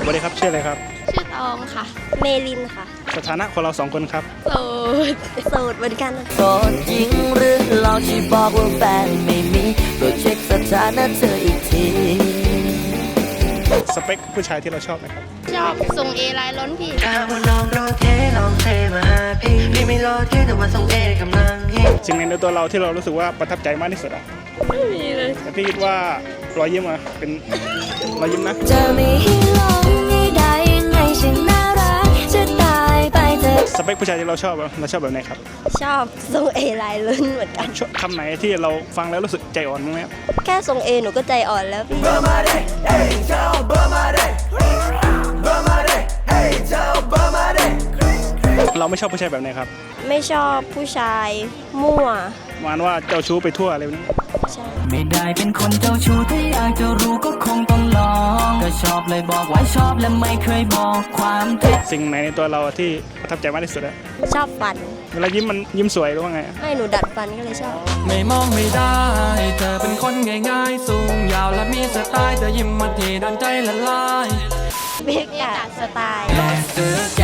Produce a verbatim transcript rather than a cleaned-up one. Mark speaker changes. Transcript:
Speaker 1: สวัสดีครับชื่ออะไรครับ
Speaker 2: ชื่อตองค่ะเมลินค่ะ
Speaker 1: สถานะของเราสองคนครับ
Speaker 2: โสดโสดเหมือนกัน
Speaker 3: โสดจริงหรือลองชี้บอกว่าแฟนไม่มีโปรดเช็คสถานะเธออีกที
Speaker 1: สเปคผู้ชายที่เราชอบไหมครับ
Speaker 2: ชอบทรงเอลายล้นพี่
Speaker 4: ถ้าว่าน้องรอเทลองเทมาหาพี่พี่ไม่รอเทแต่ว่าทรงเอกำลังฮิต
Speaker 1: สิ่งในตัวเราที่เรารู้สึกว่าประทับใจมากที่สุดอะ
Speaker 2: ไม่มีเลย
Speaker 1: แต่พี่คิดว่ารอยยิ้มอะเป็นรอยยิ้มนะ
Speaker 3: จะไม่ให้ลองให้ได้ยังไงฉันน่ารักจะตายไปเถอะ
Speaker 1: สเปคผู้ชายที่เราชอบอะเราชอบแบบไหนครับ
Speaker 2: ชอบทรงเอลายล้นเหมือนกัน
Speaker 1: คำไหนที่เราฟังแล้วรู้สึกใจอ่อนมั้ยครับ
Speaker 2: แค่ทรงเอหนูก็ใจอ่อนแล้วพี่
Speaker 1: เราไม่ชอบผู้ชายแบบไหนครับ
Speaker 2: ไม่ชอบผู้ชายมั่ว
Speaker 1: ประมาณว่าเจ้าชู้ไปทั่วอะไรแบบนี้
Speaker 2: ใช่
Speaker 3: ไม่ได้เป็นคนเจ้าชู้ถ้าอยากจะรู้ก็คงต้องลองก็ชอบเลยบอกว่าชอบและไม่เคยบอกความเท็จ
Speaker 1: สิ่งไหนในตัวเราที่ประทับใจมากที่สุดอะ
Speaker 2: ชอบฟัน
Speaker 1: เวลายิ้มมันยิ้มสวยหรือว่าไง
Speaker 2: ให้หนูดัดฟันก็เลยชอบ
Speaker 5: ไม่มองไม่ได้เธอเป็นคนง่ายๆสูงยาวและมีสไตล์เธอยิ้มมาทีโดนใจละลาย
Speaker 2: เบกาสไตล์